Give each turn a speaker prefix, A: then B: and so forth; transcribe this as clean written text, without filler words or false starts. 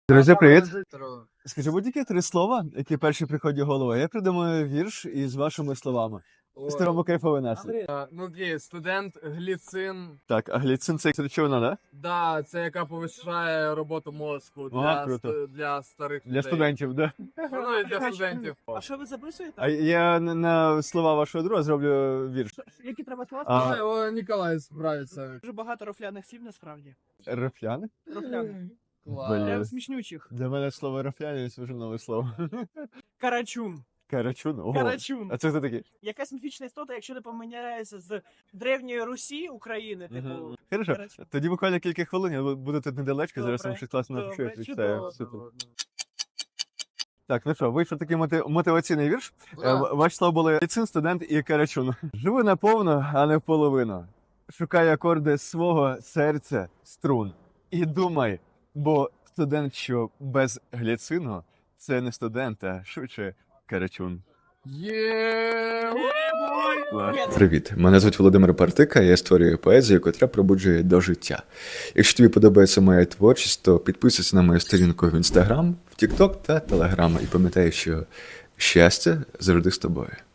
A: Друзі, привіт! Скажи будь-які 3 слова, які перші приходять в голову. Я придумаю вірш із вашими словами. Старому кайфовий настрій.
B: Ну, окей, студент, гліцин.
A: Так, а гліцин це речовина, да?
B: Да, це яка повищає роботу мозку
A: Ага, круто.
B: для старих
A: Для
B: людей.
A: студентів, да?
B: Ну, і для студентів.
C: А що ви записуєте?
A: А я на слова вашого друга зроблю вірш.
C: Які треба слова?
A: А,
B: О, Ніколай справиться.
C: Дуже багато рофляних слів насправді.
A: рафляни?
C: Рофляних.
B: Клас.
A: Блін.
C: Прям смішнючих.
A: Для мене слово рафляни це вже нове слово.
C: Карачун.
A: Карачун? Ого.
C: Карачун.
A: А це хто такий?
C: Якась міфічна істота, якщо не поміняється з древньої Русі України, типу.
A: Мгм. Хорошо.
C: Карачун.
A: Тоді буквально кілька хвилин, я буду тут недалечко, зараз
C: Добре.
A: вам щось класно
C: Добре,
A: напишу, я
C: чудово.
A: відчитаю. Супер. Так, ну що, вийшов такий мотиваційний вірш.
B: Да.
A: Ваші слова були ліцин, студент і карачун. Живи наповну, а не вполовину. Шукай акорди свого серця струн. І думай, бо студент, що без гліцину, це не студент, а швидше карачун.
B: Є!
D: Привіт, мене звуть Володимир Партика, я створюю поезію, котра пробуджує до життя. Якщо тобі подобається моя творчість, то підписуйся на мою сторінку в Instagram, в TikTok та Telegram і пам'ятай, що щастя завжди з тобою.